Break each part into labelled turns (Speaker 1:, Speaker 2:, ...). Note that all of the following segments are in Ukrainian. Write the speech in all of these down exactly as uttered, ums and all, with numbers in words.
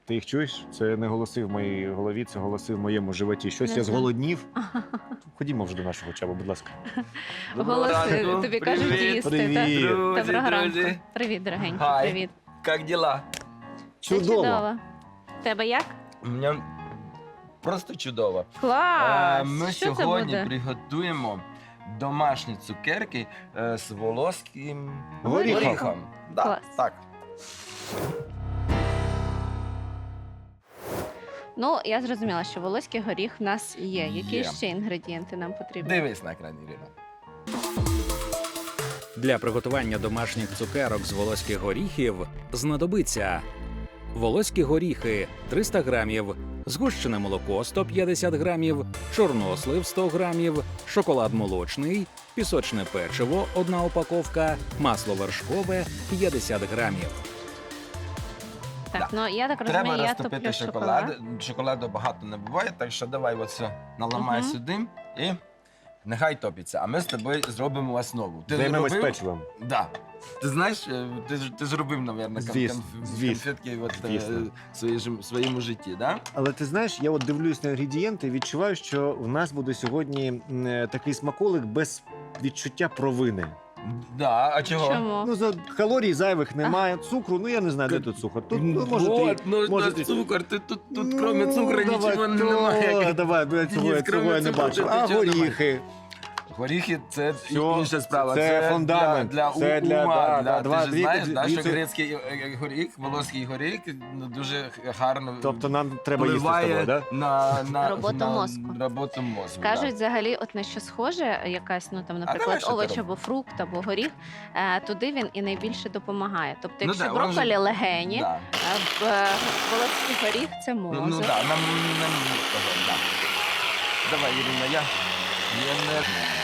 Speaker 1: Ти їх чуєш? Це не голоси в моїй голові, це голоси в моєму животі. Щось
Speaker 2: Не
Speaker 1: я
Speaker 2: знаю.
Speaker 1: зголоднів. Ходімо вже до нашого чаба, будь ласка.
Speaker 2: Голоси тобі кажуть
Speaker 3: Привіт.
Speaker 2: їсти.
Speaker 1: Привіт.
Speaker 2: так?
Speaker 3: Друзі,
Speaker 2: Доброго ранку.
Speaker 3: друзі.
Speaker 2: Привіт, дорогенький,
Speaker 3: Хай.
Speaker 2: привіт.
Speaker 3: Как дела?
Speaker 2: Все
Speaker 1: Чудово.
Speaker 2: чудово. Тебе як?
Speaker 3: У мене просто чудово.
Speaker 2: Клас!
Speaker 3: Е, Ми
Speaker 2: Що це
Speaker 3: сьогодні
Speaker 2: буде?
Speaker 3: приготуємо домашні цукерки е, з волоським
Speaker 1: Горіхом.
Speaker 3: горіхом. Да,
Speaker 2: Клас.
Speaker 3: так.
Speaker 2: Ну, я зрозуміла, що волоський горіх в нас є. Які
Speaker 3: Є.
Speaker 2: ще інгредієнти нам потрібні?
Speaker 3: Дивись на екран, Ірина.
Speaker 4: Для приготування домашніх цукерок з волоських горіхів знадобиться волоські горіхи триста грамів, згущене молоко сто п'ятдесят грамів, чорнослив сто грамів, шоколад молочний, пісочне печиво одна упаковка, масло вершкове п'ятдесят грамів.
Speaker 2: Так,
Speaker 3: Да.
Speaker 2: ну я так
Speaker 3: Треба
Speaker 2: розумію, я
Speaker 3: розтопити
Speaker 2: топлю
Speaker 3: шоколад.
Speaker 2: шоколад.
Speaker 3: Шоколаду багато не буває, так що давай оце наламай
Speaker 2: Мгм.
Speaker 3: сюди і нехай топиться. А ми з тобою зробимо основу. Ти
Speaker 1: Займемось
Speaker 3: зробив?
Speaker 1: печивом.
Speaker 3: Да. Ти знаєш, е, ти, ж- ти зробив, мабуть,
Speaker 1: Звісно, звісно,
Speaker 3: конфетки от, е,
Speaker 1: звісно.
Speaker 3: в своєму, своєму житті, да?
Speaker 1: Але ти знаєш, я от дивлюсь на інгредієнти і відчуваю, що в нас буде сьогодні м, е, такий смаколик без відчуття провини.
Speaker 3: Да, а чого?
Speaker 2: Чому?
Speaker 1: Ну, за калорій зайвих немає, цукру, ну я не знаю, де тут цукор. Тут, ну, може,
Speaker 3: вот,
Speaker 1: ти,
Speaker 3: ну,
Speaker 1: може,
Speaker 3: на
Speaker 1: ти-
Speaker 3: цукор, ти тут, тут
Speaker 1: Ну,
Speaker 3: кроме цукру
Speaker 1: давай,
Speaker 3: нічого
Speaker 1: то,
Speaker 3: немає.
Speaker 1: Давай, бо я цього,
Speaker 3: Ні,
Speaker 1: я
Speaker 3: кроме
Speaker 1: цього я не
Speaker 3: цукру
Speaker 1: бачу.
Speaker 3: тут
Speaker 1: А
Speaker 3: нічого немає.
Speaker 1: горіхи.
Speaker 3: Горіхи це
Speaker 1: Всьо,
Speaker 3: інша справа.
Speaker 1: це фундамент,
Speaker 3: Для, для
Speaker 1: це для-
Speaker 3: ума.
Speaker 1: да,
Speaker 3: для,
Speaker 1: да, два-
Speaker 3: ти ж
Speaker 1: дві-
Speaker 3: знаєш,
Speaker 1: дві-
Speaker 3: да,
Speaker 1: дві
Speaker 3: що
Speaker 1: це-
Speaker 3: грецький е, е, горіх, волоський горіх ну, дуже гарно
Speaker 1: Тобто нам треба їсти з
Speaker 3: впливає
Speaker 1: тобою, да?
Speaker 3: на, на
Speaker 2: Роботу
Speaker 3: на
Speaker 2: мозку.
Speaker 3: роботу мозку.
Speaker 2: Кажуть, взагалі, от на що схоже, якась, ну там,
Speaker 3: давай,
Speaker 2: наприклад,
Speaker 3: що ти
Speaker 2: овоч
Speaker 3: робиш?
Speaker 2: або фрукт, або горіх, е, туди він і найбільше допомагає. Тобто,
Speaker 3: Ну
Speaker 2: якщо
Speaker 3: да, він
Speaker 2: брокколі
Speaker 3: же-
Speaker 2: легені,
Speaker 3: Да.
Speaker 2: а в е, волоський горіх це
Speaker 3: Ну,
Speaker 2: мозок.
Speaker 3: ну да, нам, нам того, да. Давай, Ірина, я, я не...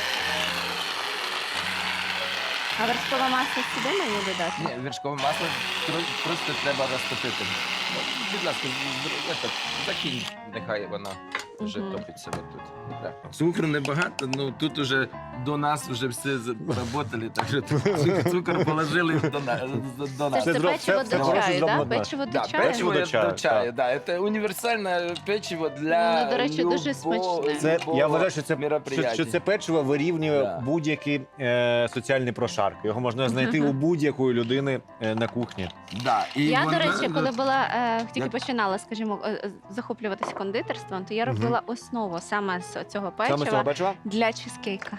Speaker 2: А вершкове масло сюди мені додати?
Speaker 3: Ні, вершкове масло тро- просто треба розтопити. Ну, будь ласка, з- з- это, закинь, нехай вона вже
Speaker 2: Мгм.
Speaker 3: топиться отут. Да. Цукру небагато, ну тут уже до нас вже все заработали, так що цу- цукор положили до, на, до
Speaker 2: Це
Speaker 3: нас.
Speaker 2: ж це
Speaker 1: зроб-
Speaker 2: печиво
Speaker 1: це- це
Speaker 2: до
Speaker 1: хороше
Speaker 2: чаю,
Speaker 1: зроблено
Speaker 2: так?
Speaker 1: для-
Speaker 2: Печиво до
Speaker 3: Да,
Speaker 2: чаю?
Speaker 3: печиво
Speaker 1: до
Speaker 3: до
Speaker 1: чаю,
Speaker 3: чаю, да. Це універсальне печиво для
Speaker 2: Ну, до речі, дуже
Speaker 3: любо-
Speaker 2: смачне.
Speaker 1: Це,
Speaker 3: любого
Speaker 1: я вважаю, що це, що,
Speaker 3: мероприятия.
Speaker 1: що це печиво вирівнює
Speaker 3: Да.
Speaker 1: будь-які е, соціальні прошарки. Його можна знайти у будь-якої людини е, на кухні.
Speaker 3: Да, і
Speaker 2: Я,
Speaker 3: вона-
Speaker 2: до речі, коли була е, тільки
Speaker 3: Я-
Speaker 2: починала, скажімо, е, е, захоплюватися кондитерством, то я
Speaker 1: Мгм.
Speaker 2: робила основу саме з цього печива
Speaker 1: Саме з цього печива?
Speaker 2: для чизкейка.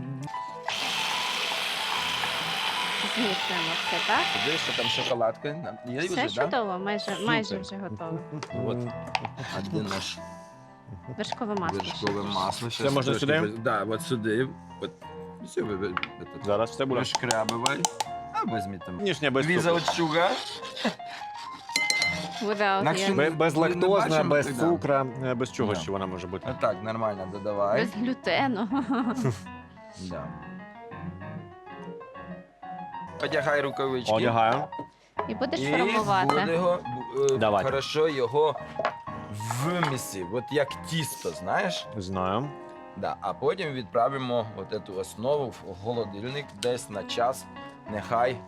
Speaker 2: Змішуємо все, так?
Speaker 3: Подивись, що там шоколадка. Є
Speaker 2: Все
Speaker 3: вже, да?
Speaker 2: чудово, майже, майже
Speaker 3: Супер.
Speaker 2: вже готово.
Speaker 3: От. А де наш
Speaker 2: Вершкове масло. ще
Speaker 3: вершкове
Speaker 2: трішки.
Speaker 3: масло?
Speaker 1: Це можна сюди?
Speaker 3: Так, да, от сюди. От. Все, ви, ви, этот,
Speaker 1: Зараз все буде.
Speaker 3: розшкрябивай. А візьмі там.
Speaker 1: Ніжня без цукру.
Speaker 3: Without sugar.
Speaker 2: Without,
Speaker 3: Інакше
Speaker 2: yeah.
Speaker 3: ми-
Speaker 1: Бе- Без
Speaker 3: Ми не
Speaker 1: лактозна,
Speaker 3: бачимо,
Speaker 1: без
Speaker 3: да.
Speaker 1: цукра, е, без чого
Speaker 3: Да.
Speaker 1: ще вона може бути.
Speaker 3: Так, нормально додавай.
Speaker 2: Без глютену.
Speaker 3: Да. Одягай рукавички.
Speaker 1: Одягаю.
Speaker 2: І будеш
Speaker 3: І
Speaker 2: формувати.
Speaker 3: буде його, е,
Speaker 1: Давайте.
Speaker 3: хорошо його вмісі. От як тісто, знаєш?
Speaker 1: Знаю.
Speaker 3: Да, а потім відправимо от цю основу в холодильник десь на час. Нехай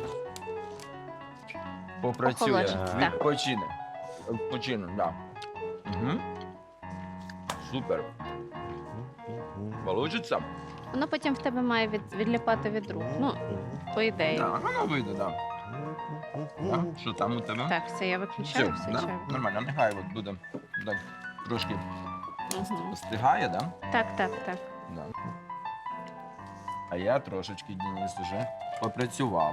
Speaker 3: попрацює.
Speaker 2: Охолоджить, так.
Speaker 3: Відпочине. Відпочине, так. Да. Угу. Супер. Получиться?
Speaker 2: Воно потім в тебе має від, відліпати від рук. Ну, по ідеї.
Speaker 3: Так, воно вийде, так. Да. Що там у тебе?
Speaker 2: Так, все, я
Speaker 3: Все,
Speaker 2: виключаю, все
Speaker 3: да?
Speaker 2: чаю.
Speaker 3: Нормально, нехай от буде так, трошки
Speaker 2: Мгм.
Speaker 3: остигає, да?
Speaker 2: Так, так, так.
Speaker 3: Да. А я трошечки, Денис, вже попрацював.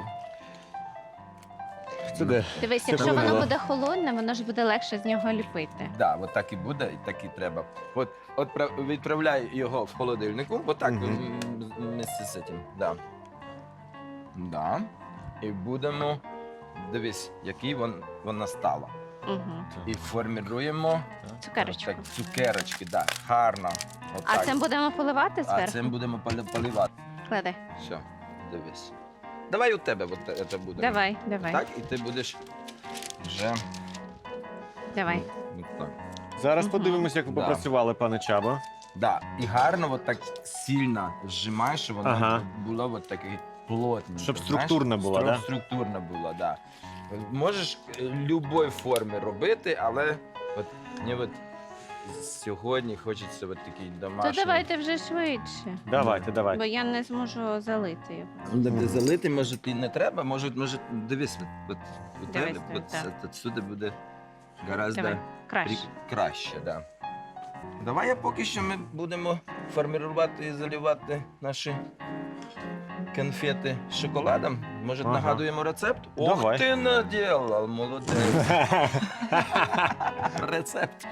Speaker 1: Це де?
Speaker 2: Дивись,
Speaker 1: Це
Speaker 2: якщо
Speaker 1: було.
Speaker 2: воно буде холодне, воно ж буде легше з нього ліпити.
Speaker 3: Да, от так і буде, і так і треба. От, от пра- відправляй його в холодильнику, отак
Speaker 1: Мгм.
Speaker 3: м, вместе з цим. Да. Да. І будемо, дивись, який вон, вона стала.
Speaker 2: Угу.
Speaker 3: І форміруємо
Speaker 2: Цукерочку.
Speaker 3: так, цукерочки, да, гарно.
Speaker 2: А
Speaker 3: Отак.
Speaker 2: цим будемо поливати
Speaker 3: а
Speaker 2: зверху?
Speaker 3: цим будемо поли- поливати.
Speaker 2: Клади.
Speaker 3: Все, дивись. Давай у тебе от це буде.
Speaker 2: Давай, давай,
Speaker 3: Так, і ти будеш вже
Speaker 2: давай.
Speaker 3: от так.
Speaker 1: Зараз
Speaker 2: Мгм.
Speaker 1: подивимося, як ви
Speaker 3: Да.
Speaker 1: попрацювали, пане Чабо.
Speaker 3: Да. І гарно от так сильно зжимаєш, щоб воно
Speaker 1: Ага.
Speaker 3: було от таке плотненько.
Speaker 1: Щоб
Speaker 3: знаєш,
Speaker 1: структурна була,
Speaker 3: Стру-
Speaker 1: да?
Speaker 3: Структурна була, да. Можеш е, любої форми робити, але от мені от сьогодні хочеться от такий
Speaker 2: То
Speaker 3: домашній.
Speaker 2: давайте вже швидше,
Speaker 1: Давайте, давайте.
Speaker 2: бо я не зможу залити його.
Speaker 3: Ну, де залити, може, і не треба, може, може дивись, от, от,
Speaker 2: Дивись,
Speaker 3: от,
Speaker 2: так,
Speaker 3: от,
Speaker 2: так.
Speaker 3: от, отсюди буде гораздо
Speaker 2: Давай, краще.
Speaker 3: При- краще, да. Давай я поки що ми будемо формувати і заливати наші конфети шоколадом. Може,
Speaker 1: Ага.
Speaker 3: нагадуємо рецепт?
Speaker 1: Давай.
Speaker 3: Ох, ти наділав, молодець. Рецепт.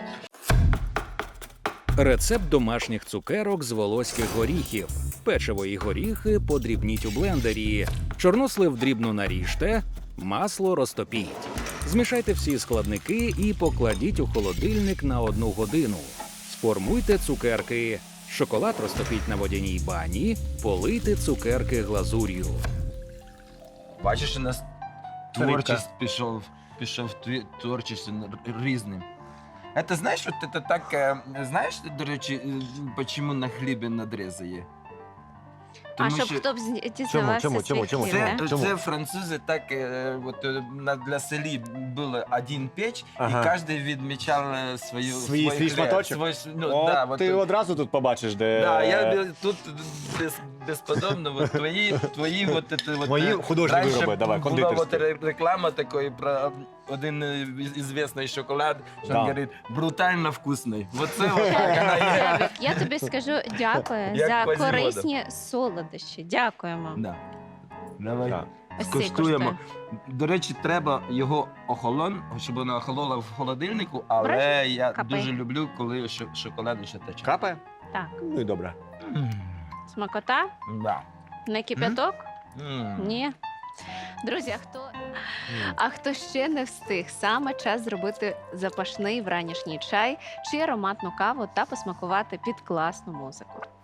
Speaker 4: Рецепт домашніх цукерок з волоських горіхів. Печиво і горіхи подрібніть у блендері. Чорнослив дрібно наріжте, масло розтопіть. Змішайте всі складники і покладіть у холодильник на одну годину. Сформуйте цукерки. Шоколад розтопіть на водяній бані, полийте цукерки глазур'ю.
Speaker 3: Бачиш, у нас
Speaker 1: Рибка.
Speaker 3: творчість пішов, пішов тві- творчість різним. Это знаєш, от це так, е, знаєш, до речі, е, чому на хлібі надрізи є?
Speaker 2: А щоб хто б зні- дізнавався
Speaker 1: чому,
Speaker 2: свій
Speaker 1: чому, чому,
Speaker 2: хліб,
Speaker 3: Це,
Speaker 2: да?
Speaker 1: Чому?
Speaker 3: це французи так, е, от, е, на, для селі було один печ,
Speaker 1: Ага.
Speaker 3: і кожен відмічав е, свою,
Speaker 1: Свій- свій
Speaker 3: хліб,
Speaker 1: шматочок?
Speaker 3: свій- ну,
Speaker 1: О,
Speaker 3: да, от,
Speaker 1: ти
Speaker 3: е,
Speaker 1: одразу тут побачиш, де
Speaker 3: да, я бі- тут без, безподобно, от, твої, твої от, это, от,
Speaker 1: Мої
Speaker 3: е,
Speaker 1: художні
Speaker 3: раніше
Speaker 1: вироби, давай,
Speaker 3: була
Speaker 1: кондитерські.
Speaker 3: от ре- реклама такої про один е, із- ізвісний шоколад, що
Speaker 1: Да.
Speaker 3: він говорить, брутально вкусний. Оце от так вона є.
Speaker 2: Славік, я тобі скажу дякую
Speaker 3: Як
Speaker 2: за
Speaker 3: Квазімода.
Speaker 2: корисні солодощі. Дякуємо.
Speaker 3: Да. Давай.
Speaker 1: Так.
Speaker 2: Ось цей
Speaker 3: Скуштуємо.
Speaker 2: коштує.
Speaker 3: До речі, треба його охолон, щоб вона охолола в холодильнику, але
Speaker 2: Бачиш?
Speaker 3: я
Speaker 2: Капає.
Speaker 3: дуже люблю, коли шо- шоколад ще тече.
Speaker 1: Капає?
Speaker 2: Так,
Speaker 1: Ну і добре.
Speaker 3: М,
Speaker 2: смакота,
Speaker 3: Да.
Speaker 2: не кипяток?
Speaker 3: М.
Speaker 2: Ні. Друзі, а хто, а хто ще не встиг, саме час зробити запашний вранішній чай чи ароматну каву та посмакувати під класну музику.